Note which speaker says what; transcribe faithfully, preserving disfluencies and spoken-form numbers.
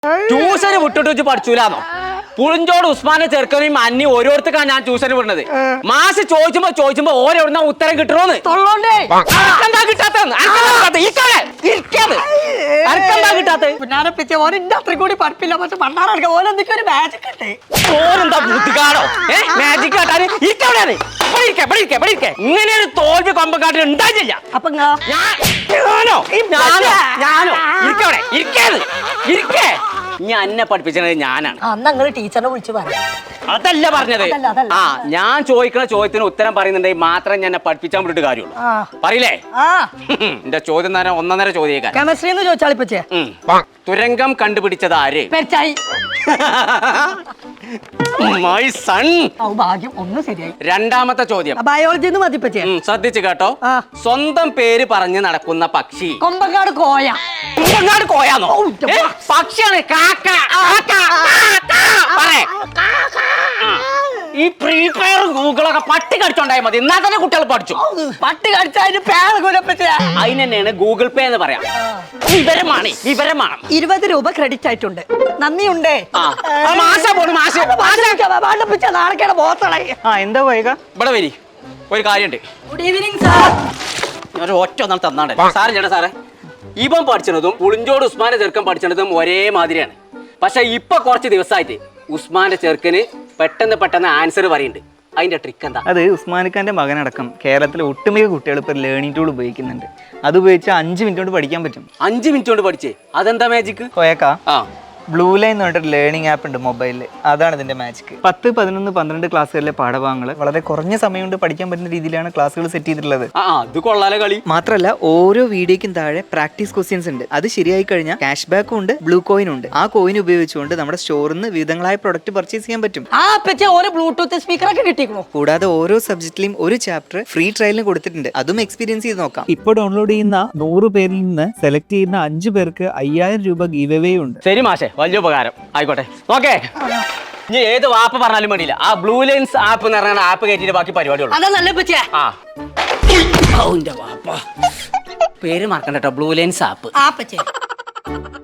Speaker 1: ട്യൂഷന് വിട്ടിട്ട് വെച്ച് പഠിച്ചൂലാന്നോ? പുളിഞ്ചോട് ഉസ്മാനെ ചെറുക്കനെയും അന്നി ഓരോരുത്തർക്കാണ് ഞാൻ ട്യൂഷന് വിടുന്നത്. മാസ് ചോദിച്ചുമ്പോ ചോദിച്ചുമ്പോ ഓരോരുന്ന ഉത്തരം കിട്ടണോന്ന് കിട്ടാത്ത
Speaker 2: കൂടി പഠിപ്പില്ല. പക്ഷെ പണ്ടാറ ഓരോന്തൊക്കെ ഒരു മാജിക് കിട്ടേ.
Speaker 1: ഓരെന്താ ബുദ്ധിക്കാടോ മാജിക് കാട്ടാന്? ഇങ്ങനെ ഒരു തോൽവി കൊമ്പക്കാട്ടിൽ ഉണ്ടായില്ല.
Speaker 2: അപ്പൊ
Speaker 1: ഞാനോ ഞാനോ ഞാനോ ഇരിക്കവിടെ ഇരിക്കാത് ഇരിക്കേ. ഞാൻ എന്നെ പഠിപ്പിച്ചത് ഞാനാണ്.
Speaker 2: അന്ന് ടീച്ചറിനെ വിളിച്ചു പറഞ്ഞു.
Speaker 1: അതല്ല പറഞ്ഞത്. ആ ഞാൻ ചോദിക്കുന്ന ചോദ്യത്തിന് ഉത്തരം പറയുന്നുണ്ടെങ്കിൽ മാത്രം ഞാൻ പഠിപ്പിച്ചാൻ വിട്ടിട്ട് കാര്യമുള്ളൂ. പറയില്ലേ? എന്റെ ചോദ്യം നേരം ഒന്നര ചോദ്യം.
Speaker 2: കെമിസ്ട്രി എന്ന് ചോദിച്ചാളിപ്പച്ചേ.
Speaker 1: തുരങ്കം കണ്ടുപിടിച്ചത് ആര്? My son.
Speaker 2: ഭാഗ്യം ഒന്ന് ശരിയായി.
Speaker 1: രണ്ടാമത്തെ ചോദ്യം
Speaker 2: ബയോളജി മതിപ്പച്ചേ.
Speaker 1: ശ്രദ്ധിച്ചു കേട്ടോ. സ്വന്തം പേര് പറഞ്ഞ് നടക്കുന്ന പക്ഷി.
Speaker 2: കൊമ്പങ്ങാട് കോയ.
Speaker 1: കൊമ്പങ്ങാട് കോയാന്നോ? പക്ഷിയാണ്. ഈ പ്രീ ഫയർ ഗൂഗിളൊക്കെ പട്ടി കടിച്ചോണ്ടായ മതി. എന്നാ തന്നെ കുട്ടികൾ പഠിച്ചു.
Speaker 2: പട്ടി കടിച്ചതിന് പേര്
Speaker 1: അതിന് തന്നെയാണ് ഗൂഗിൾ പേ എന്ന് പറയാം. വിവരമാണ് വിവരമാണ്.
Speaker 2: ഇരുപത് രൂപ ക്രെഡിറ്റ് ആയിട്ടുണ്ട്. നന്ദിയുണ്ടേ.
Speaker 1: എന്താ പോയ ഇവിടെ വരി. ഒരു കാര്യമുണ്ട്.
Speaker 2: Good evening sir.
Speaker 1: ഞാൻ ഒറ്റ ഒന്നാൾ തന്നാണ് സാറേ. ചേട്ടാ സാറേ, ഇവൻ പഠിച്ചതും പുളിഞ്ചോട് ഉസ്മാന്റെ ചെറുക്കൻ പഠിച്ചതും ഒരേ മാതിരിയാണ്. പക്ഷെ ഇപ്പൊ കുറച്ച് ദിവസമായിട്ട് ഉസ്മാന്റെ ചെറുക്കന് പെട്ടെന്ന് പെട്ടെന്ന് ആൻസർ പറയുന്നുണ്ട്. അതിന്റെ ട്രിക്ക് എന്താ?
Speaker 3: അത് ഉസ്മാനിക്കാന്റെ മകനടക്കം കേരളത്തിലെ ഒട്ടുമിക്ക കുട്ടികൾ ഇപ്പോൾ ലേണിംഗ് ടൂൾ ഉപയോഗിക്കുന്നുണ്ട്. അത് ഉപയോഗിച്ച് അഞ്ച് മിനിറ്റ് കൊണ്ട് പഠിക്കാൻ പറ്റും.
Speaker 1: അഞ്ച് മിനിറ്റ് കൊണ്ട് പഠിച്ചേ? അതെന്താ മാജിക്?
Speaker 3: കോയക്ക
Speaker 1: ആ
Speaker 3: ബ്ലൂ ലൈൻ എന്ന് പറഞ്ഞിട്ട് ലേണിംഗ് ആപ്പ് ഉണ്ട് മൊബൈലിൽ. അതാണ് ഇതിന്റെ മാജിക്. പത്ത് പതിനൊന്ന് പന്ത്രണ്ട് ക്ലാസ്സുകളിലെ പാഠഭാഗങ്ങൾ വളരെ കുറഞ്ഞ സമയം കൊണ്ട് പഠിക്കാൻ പറ്റുന്ന രീതിയിലാണ് ക്ലാസ്സുകൾ സെറ്റ് ചെയ്തിട്ടുള്ളത്.
Speaker 1: അത് കൊള്ളാലോ കളി.
Speaker 3: മാത്രമല്ല ഓരോ വീഡിയോയ്ക്കും താഴെ പ്രാക്ടീസ് ക്വസ്റ്റ്യൻസ് ഉണ്ട്. അത് ശരിയായി കഴിഞ്ഞാൽ ക്യാഷ് ബാക്കും ഉണ്ട്, ബ്ലൂ കോയിനും ഉണ്ട്. ആ കോയിൻ ഉപയോഗിച്ചുകൊണ്ട് നമ്മുടെ സ്റ്റോറിൽ നിന്ന് വിവിധങ്ങളായ പ്രൊഡക്റ്റ് പർച്ചേസ് ചെയ്യാൻ പറ്റും.
Speaker 2: ബ്ലൂടൂത്ത് സ്പീക്കറൊക്കെ കിട്ടിയിരിക്കുന്നു.
Speaker 3: കൂടാതെ ഓരോ സബ്ജക്റ്റിലും ഒരു ചാപ്റ്റർ ഫ്രീ ട്രയലിന് കൊടുത്തിട്ടുണ്ട്. അതും എക്സ്പീരിയൻസ് ചെയ്ത് നോക്കാം.
Speaker 4: ഇപ്പോൾ ഡൗൺലോഡ് ചെയ്യുന്ന നൂറ് പേരിൽ നിന്ന് സെലക്ട് ചെയ്യുന്ന അഞ്ചു പേർക്ക് അയ്യായിരം രൂപ ഗീവ് അവേ ഉണ്ട്.
Speaker 1: ശരി മാഷെ, വലിയ ഉപകാരം. ആയിക്കോട്ടെ. ഓക്കെ, ഇനി ഏത് വാപ്പ് പറഞ്ഞാലും വേണ്ടിയില്ല. ആ ബ്ലൂ ലൈൻസ് ആപ്പ് എന്ന് പറഞ്ഞ ആപ്പ് കയറ്റിട്ട് ബാക്കി പരിപാടിയുള്ളൂ. ആ വാപ്പ പേര് മറക്കണ്ട കേട്ടോ. Blue lines app.